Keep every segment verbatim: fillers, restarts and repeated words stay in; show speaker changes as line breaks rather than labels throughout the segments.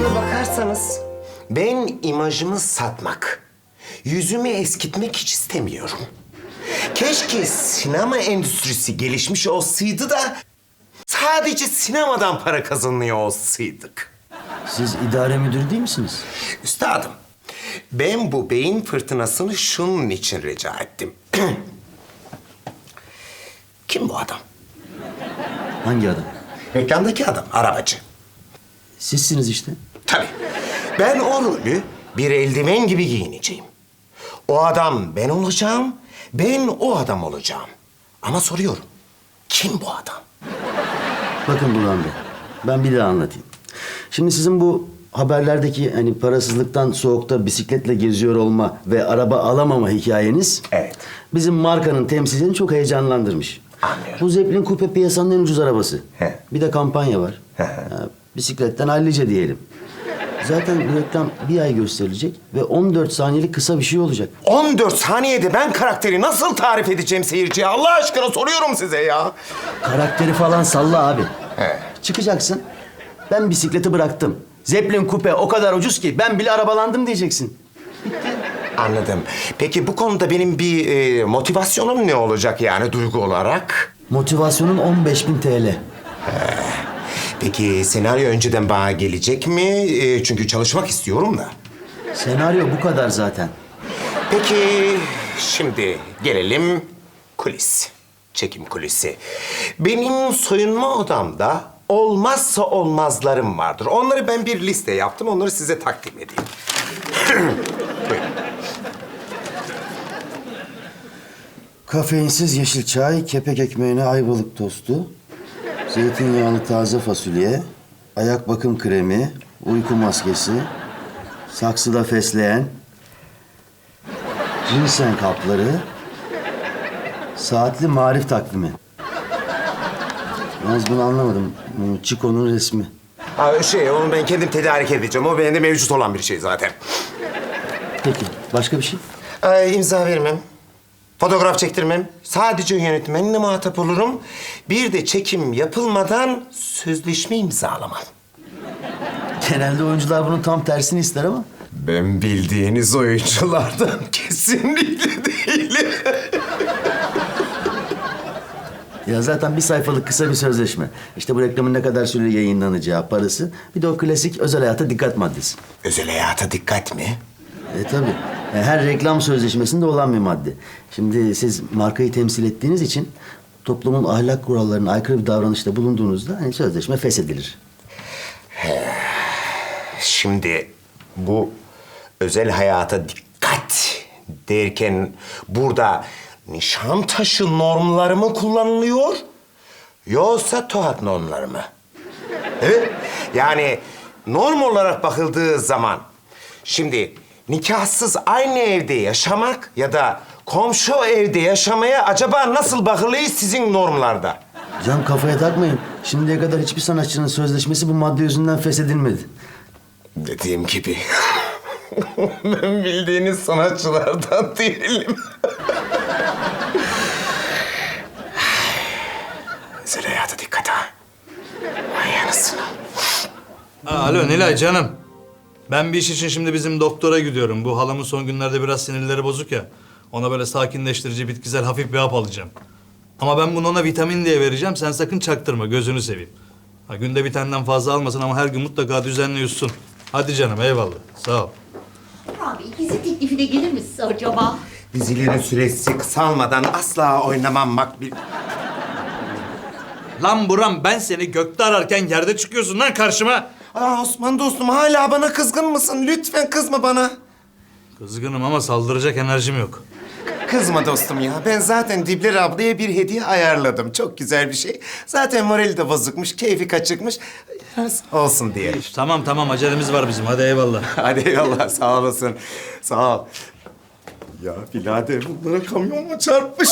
Aslına bakarsanız ben imajımı satmak, yüzümü eskitmek hiç istemiyorum. Keşke sinema endüstrisi gelişmiş olsaydı da sadece sinemadan para kazanıyor olsaydık.
Siz idare müdürü değil misiniz?
Üstadım, ben bu beyin fırtınasını şunun için rica ettim. Kim bu adam?
Hangi adam?
Reklamdaki adam, arabacı.
Sizsiniz işte.
Tabii. Ben o rolü bir eldiven gibi giyineceğim. O adam ben olacağım, ben o adam olacağım. Ama soruyorum, kim bu adam?
Bakın Burhan Bey, ben bir daha anlatayım. Şimdi sizin bu haberlerdeki hani parasızlıktan soğukta bisikletle geziyor olma ve araba alamama hikayeniz...
Evet.
...bizim markanın temsilcini çok heyecanlandırmış.
Anlıyorum.
Bu Zeppelin Coupe piyasanın en ucuz arabası.
He.
Bir de kampanya var.
He.
Ya, bisikletten hallice diyelim. Zaten bu reklam bir ay gösterilecek ve on dört saniyelik kısa bir şey olacak.
on dört saniyede ben karakteri nasıl tarif edeceğim seyirciye? Allah aşkına soruyorum size ya.
Karakteri falan salla abi.
He.
Çıkacaksın. Ben bisikleti bıraktım. Zeppelin Coupe o kadar ucuz ki ben bile arabalandım diyeceksin.
Anladım. Peki bu konuda benim bir e, motivasyonum ne olacak yani duygu olarak?
Motivasyonun on beş bin T L.
Peki senaryo önceden bana gelecek mi? E, çünkü çalışmak istiyorum da.
Senaryo bu kadar zaten.
Peki şimdi gelelim kulis. Çekim kulisi. Benim soyunma odamda olmazsa olmazlarım vardır. Onları ben bir liste yaptım. Onları size takdim edeyim. Buyurun.
Kafeinsiz yeşil çay, kepek ekmeğine ayvalık tostu, zeytinyağlı taze fasulye, ayak bakım kremi, uyku maskesi, saksıda fesleğen, ginseng kapları, saatli marif takvimi. Yalnız bunu anlamadım. Bu Chico'nun resmi.
Ha, şey, onu ben kendim tedarik edeceğim. O bende mevcut olan bir şey zaten.
Peki, başka bir şey?
Ee, imza vermem. Fotoğraf çektirmem. Sadece yönetmenle muhatap olurum. Bir de çekim yapılmadan sözleşme imzalamam.
Genelde oyuncular bunun tam tersini ister ama.
Ben bildiğiniz oyunculardan kesinlikle değilim.
Ya zaten bir sayfalık kısa bir sözleşme. İşte bu reklamın ne kadar süre yayınlanacağı, parası. Bir de o klasik özel hayata dikkat maddesi.
Özel hayata dikkat mi?
E tabii. E, her reklam sözleşmesinde olan bir madde. Şimdi siz markayı temsil ettiğiniz için toplumun ahlak kurallarına aykırı bir davranışta bulunduğunuzda hani sözleşme feshedilir.
Şimdi bu özel hayata dikkat derken burada Nişantaşı normları mı kullanılıyor yoksa Tohat normları mı? Evet. Yani norm olarak bakıldığı zaman şimdi nikahsız aynı evde yaşamak ya da komşu evde yaşamaya acaba nasıl bakılıyor sizin normlarda?
Can kafaya takmayın. Şimdiye kadar hiçbir sanatçının sözleşmesi bu madde yüzünden feshedilmedi.
Dediğim gibi ben bildiğiniz sanatçılardan değilim. Özel hayata dikkat ha. Vay anasını.
Aa, alo Nilay canım. Ben bir iş için şimdi bizim doktora gidiyorum. Bu halamın son günlerde biraz sinirleri bozuk ya. Ona böyle sakinleştirici, bitkisel hafif bir hap alacağım. Ama ben bunu ona vitamin diye vereceğim. Sen sakın çaktırma, gözünü seveyim. Ha, günde bir taneden fazla almasın ama her gün mutlaka düzenli yutsun. Hadi canım, eyvallah. Sağ ol.
Abi dizi teklifine gelir misin acaba?
Dizilerin süresi kısalmadan asla oynamam makbil.
Lan Buram, ben seni gökte ararken yerde çıkıyorsun lan karşıma.
Aa Osman dostum hala bana kızgın mısın? Lütfen kızma bana.
Kızgınım ama saldıracak enerjim yok.
Kızma dostum ya. Ben zaten Dibler ablaya bir hediye ayarladım. Çok güzel bir şey. Zaten morali de bozukmuş, keyfi kaçıkmış. Olsun diye.
Tamam tamam, acelemiz var bizim. Hadi eyvallah.
Hadi eyvallah, sağ olasın. Sağ ol. Ya birader bunlara kamyon mu çarpmış?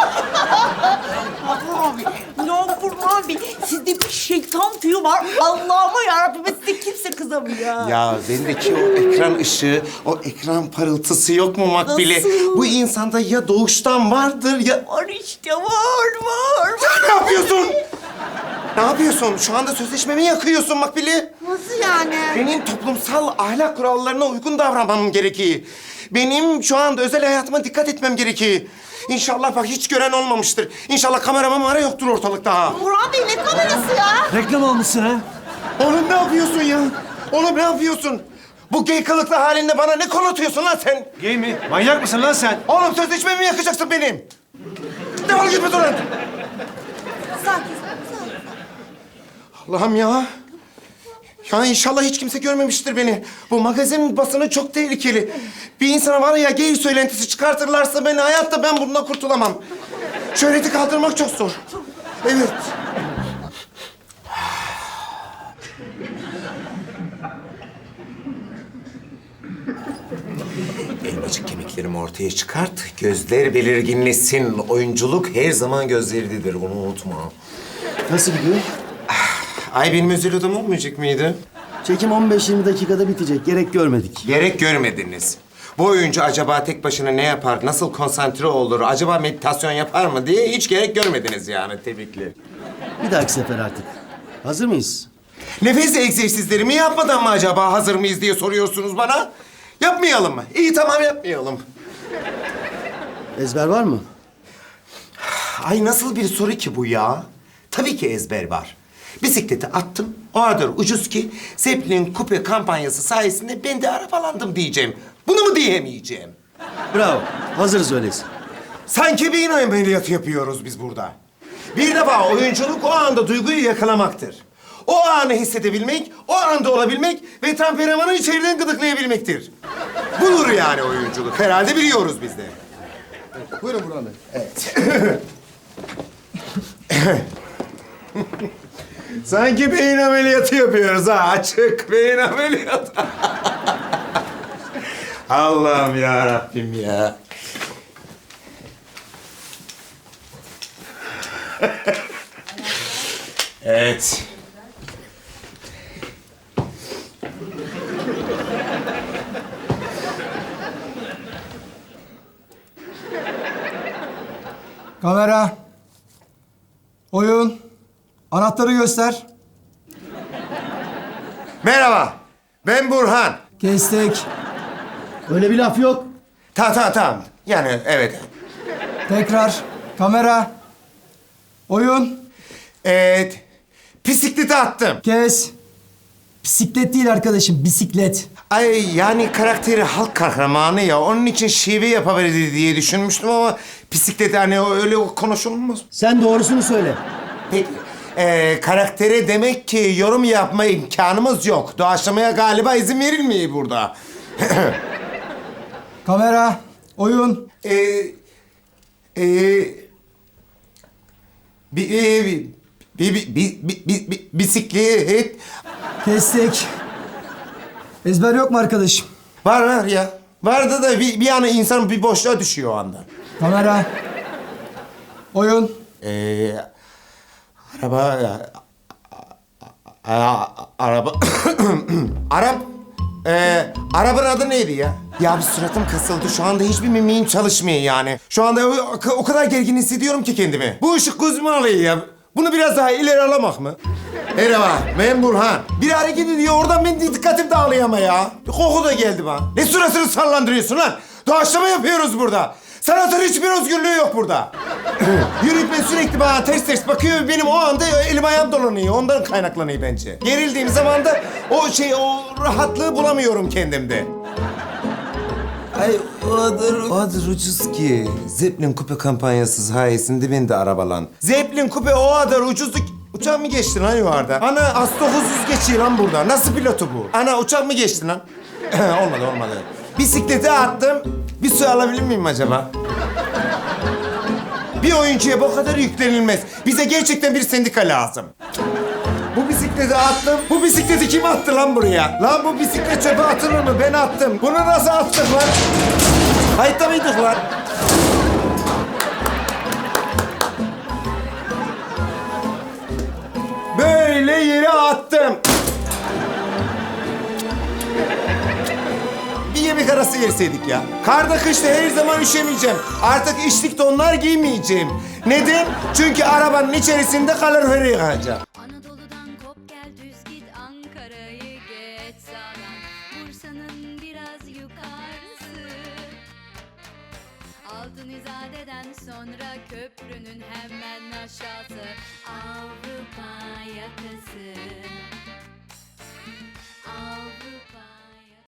Abi, ya Burhan Bey, sizde bir şeytan tüyü var. Allah'ıma yarabbim, size kimse kızamıyor.
Ya bendeki o ekran ışığı, o ekran parıltısı yok mu Makbule?
Nasıl?
Bu insanda ya doğuştan vardır ya...
Var işte, var, var.
Ne yapıyorsun? Ne yapıyorsun? Şu anda sözleşmemi yakıyorsun Makbili.
Nasıl yani?
Benim toplumsal ahlak kurallarına uygun davranmam gerekiyor. Benim şu anda özel hayatıma dikkat etmem gerekiyor. İnşallah bak hiç gören olmamıştır. İnşallah kamera mamara yoktur ortalıkta.
Burhan Bey ne kamerası ya?
Reklam olmuşsun ha?
Oğlum ne yapıyorsun ya? Oğlum ne yapıyorsun? Bu gay kılıklı halinde bana ne konatıyorsun lan sen?
Gay mi? Manyak mısın lan sen?
Oğlum sözleşmemi yakacaksın benim. Defol git buradan.
Sakin, sakin.
Allah'ım ya. Ya inşallah hiç kimse görmemiştir beni. Bu magazin basını çok tehlikeli. Bir insana var ya gay söylentisi çıkartırlarsa beni hayatta ben bundan kurtulamam. Şöhreti kaldırmak çok zor. Evet. Elmacık kemiklerimi ortaya çıkart. Gözler belirginleşsin. Oyunculuk her zaman gözleridir. Bunu unutma.
Nasıl gidiyor?
Ay benim özel odam olmayacak mıydı?
Çekim on beş yirmi dakikada bitecek. Gerek görmedik.
Gerek görmediniz. Bu oyuncu acaba tek başına ne yapar, nasıl konsantre olur, acaba meditasyon yapar mı diye hiç gerek görmediniz yani. Tebrikler.
Bir dahaki sefer artık. Hazır mıyız?
Nefes egzersizlerimi yapmadan mı acaba hazır mıyız diye soruyorsunuz bana. Yapmayalım mı? İyi tamam yapmayalım.
Ezber var mı?
Ay nasıl bir soru ki bu ya? Tabii ki ezber var. Bisikleti attım, o kadar ucuz ki Zeppelin Coupe kampanyası sayesinde ben de arabalandım diyeceğim. Bunu mu diyemeyeceğim?
Bravo. Hazırız öyleyse.
Sanki beyin ameliyatı yapıyoruz biz burada. Bir defa oyunculuk o anda duyguyu yakalamaktır. O anı hissedebilmek, o anda olabilmek ve temperamanı içeriden gıdıklayabilmektir. Budur yani oyunculuk. Herhalde biliyoruz biz de.
Buyurun Burhan Bey.
Evet. Sanki beyin ameliyatı yapıyoruz ha. Açık beyin ameliyatı. Allah'ım ya Rabbim ya. Evet.
Kamera. Oyun. Anahtarı göster.
Merhaba. Ben Burhan.
Kestik.
Öyle bir laf yok.
Ta ta tamam. Yani evet.
Tekrar. Kamera. Oyun.
Evet. Bisikleti attım.
Kes. Bisiklet değil arkadaşım, bisiklet.
Ay yani karakteri halk kahramanı ya. Onun için şive yapabilir diye düşünmüştüm ama bisiklet hani öyle konuşulmaz.
Sen doğrusunu söyle.
Peki. Ee, karaktere demek ki yorum yapma imkanımız yok. Doğaçlamaya galiba izin verilmiyor burada.
Kamera. Oyun.
Ee, e, bir, e, bir, bir, bir, bir, bir, bir, bir, bisiklet
Kestik. Ezber yok mu arkadaşım?
var var ya. Vardı da bir, bir an insan bir boşluğa düşüyor o anda.
Kamera. Oyun.
Ee, araba... A, a, araba... Arap... Ee, arabanın adı neydi ya? Ya bir suratım kasıldı. Şu anda hiçbir mimiğim çalışmıyor yani. Şu anda o, o kadar gergin hissediyorum ki kendimi. Bu ışık gözümü alıyor ya. Bunu biraz daha ileri alamak mı? Merhaba, ben Burhan. Bir hareket ediyor, oradan benim dikkatim dağılıyor ama ya. Bir koku da geldi bana. Ne suratını sallandırıyorsun lan? Doğaçlama yapıyoruz burada. Sanatın hiçbir özgürlüğü yok burada. Yönetmen sürekli bana ters ters bakıyor. Benim o anda elim ayağım dolanıyor. Ondan kaynaklanıyor bence. Gerildiğim zaman da o şey, o rahatlığı bulamıyorum kendimde. Ay o kadar, o kadar ucuz ki. Zeppelin Coupe kampanyası sayesinde ben de arabalan. Zeppelin Coupe o kadar ucuzdu ki... Uçak mı geçti lan yuvarda? Ana as dokuz yüz geçiyor lan burada. Nasıl pilotu bu? Ana uçak mı geçti lan? olmadı olmadı. Bisikleti attım. Bir su alabilir miyim acaba? Bir oyuncuya bu kadar yüklenilmez. Bize gerçekten bir sendika lazım. Bu bisikleti attım. Bu bisikleti kim attı lan buraya? Lan bu bisiklet çöpe atılır mı? Ben attım. Bunu nasıl attık lan? Kayıtta mıydık lan? Böyle yere attım. Bir yemek arası verseydik ya. Karda kışta her zaman üşemeyeceğim. Artık içlik donlar giymeyeceğim. Neden? Çünkü arabanın içerisinde kalorifer yıkayacağım.
Altın İzade'den sonra köprünün hemen aşağısı Avrupa yakası